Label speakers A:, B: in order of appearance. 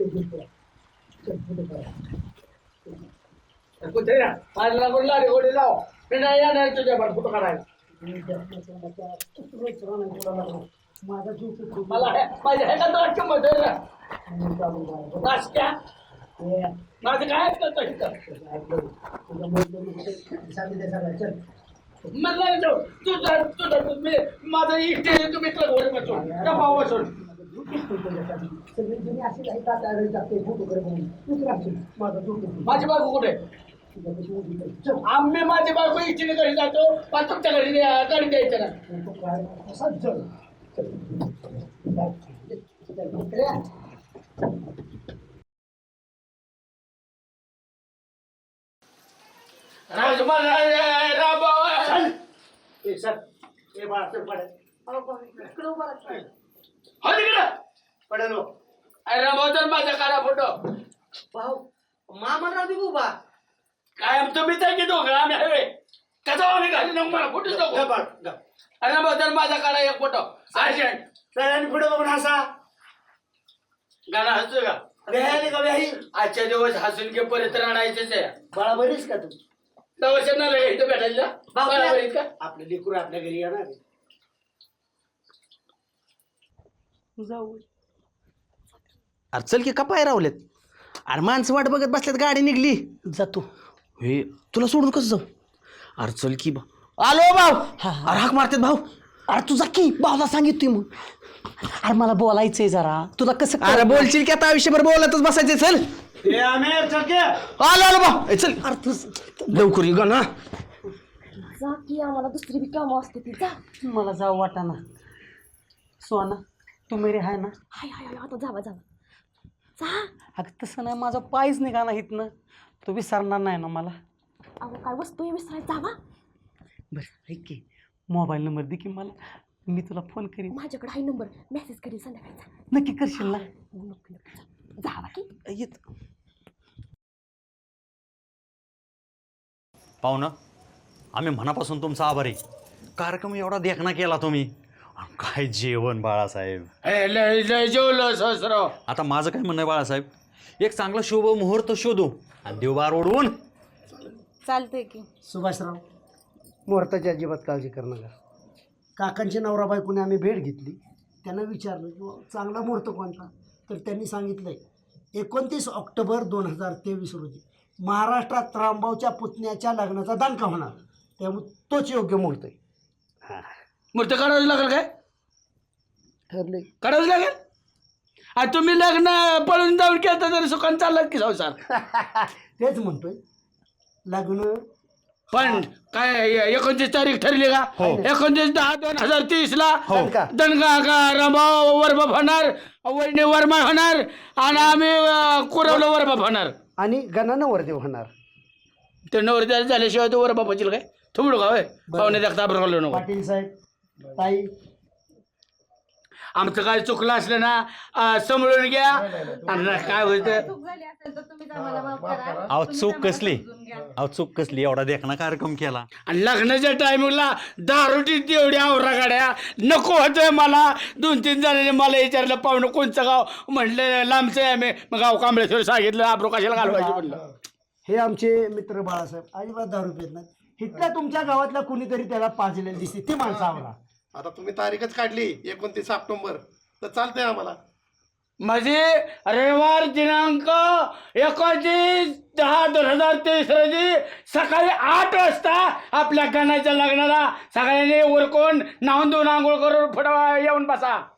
A: कुठे माझ्या लागून गोडी लाव मी नाही येणार तुझ्या पण फोटो काढायला
B: माझा जीव
A: मला माझ्या ह्याला किंमत नाश्त्या माझं काय मला तुझा तुम्ही माझं इष्ट तुम्ही घर बसून डबा बसून माझी बायको कुठे आम्ही माझी बायको इच्छेने घरी जातो पण तुमच्या घरी गाडी द्यायचं माझा काढा फोटो
B: भाऊ मामा राहते उभा
A: काय तुम्ही तर की दोघं आम्ही हवे कसा आम्ही घाली नको मला फोटो नको अरे बदल माझा काढा एक फोटो अर्जंट
B: सगळ्यांनी पुढे बघून हसा
A: गाणं हसतो का
B: वेळाने का वेळी
A: आजच्या दिवस हसून घे परत राहणायचेच आहे
B: बाळा बरीच का तू
A: दवाखान्याला इथं भेटायला का
B: आपलं लेकरू आपल्या घरी येणार
C: जाऊ अरे चल की कपाय रावलेत अरे माणसं वाट बघत बसल्यात गाडी निघली जातो हे तुला सोडून कसं जाऊ अरे चल की आलो भाऊ अरे हाक मारतात भाऊ अरे तुझा की भाऊला सांगितली मग अरे मला बोलायचंय जरा तुला कसं अरे बोलशील की आता आयुष्यभर बोलतच बसायचंय चल आलो आलो भाऊ चल अरे तू लवकर ये ना
D: जा की आम्हाला दुसरी बी कामं असते ती जा
C: मला जाऊ वाटाना सोना तू मेरे हाय ना
D: हाय हाय हाय आता जावा जावा जा
C: अगं तसं नाही माझा पायच निघा ना इथनं तू विसरणार नाही ना मला
D: अहो काय वस्तू आहे विसराय जावा
C: बरं ऐक की मोबाईल नंबर दे की मला मी तुला फोन करीन
D: माझ्याकडे हाय नंबर मेसेज करीन संध्याकाळचा
C: नक्की करशील ना
D: नक्की नक्की जावा की
C: येत
E: पाहुणं आम्ही मनापासून तुमचा आभारी कार्यक्रम एवढा देखणा केला तुम्ही काय जेवण बाळासाहेब
A: लय जेवलो सहस्राव
E: आता माझं काय म्हणणं आहे बाळासाहेब एक चांगला शुभ मुहूर्त शोधू आणि देवबार ओढवून
D: चालतंय की
B: सुभाषराव मुहूर्ताची अजिबात काळजी करू नका काकांची नवरा बायकोने आम्ही भेट घेतली त्यांना विचारलं की चांगला मुहूर्त कोणता तर त्यांनी सांगितलं 29 ऑक्टोबर 2023 रोजी महाराष्ट्रात रामभाऊच्या पुतण्याच्या लग्नाचा दांडका होणार त्यामुळे तोच योग्य मुहूर्त आहे
A: मूर्त काढावं लागेल काय
B: ठरले
A: काढावं लागेल आणि तुम्ही लग्न पळून जाऊन केलं तरी सुखान चाललं की संसार
B: तेच म्हणतोय लग्न
A: पण काय 29 तारीख ठरली का 29/10/2030 ला दणगा का रमाव वरबाप होणार वैणी वर्मा होणार आणि आम्ही कुरवलं वरबाप होणार
B: आणि गणानं वरदेव होणार
A: ते नवरदेव झाल्याशिवाय तो वरबाप होईल काय थोडं का पाहुणे देखता घालू नको
B: पाटील साहेब ताई
A: आमचं काय चुकलं असलं ना समजून घ्या आणि काय होतं
E: अहो चूक कसली एवढा देखणा कार्यक्रम केला
A: आणि लग्नाच्या टायमिंगला दारूटी तेवढी आवरा गाड्या नको होतंय मला 2-3 जणांनी मला विचारलं पाहुणं कोणचं गाव म्हटलं लांबचं आहे आम्ही मग गाव कांबळेश्वर सांगितलं आब्रो कशाला घालवायचं म्हटलं
B: हे आमचे मित्र बाळासाहेब अजिबात दारू पित नाहीत इथल्या तुमच्या गावातल्या कुणीतरी त्याला पाजलेली दिसते ती माणसं आवरा
F: आता तुम्ही तारीखच काढली 29 ऑक्टोबर तर चालतंय आम्हाला
A: म्हणजे रविवार दिनांक 29/10/2023 रोजी सकाळी 8 वाजता आपल्या गणाच्या लग्नाला सगळ्यांनी उरकून नाहून धुवून आंघोळ करून फुटवा येऊन बसा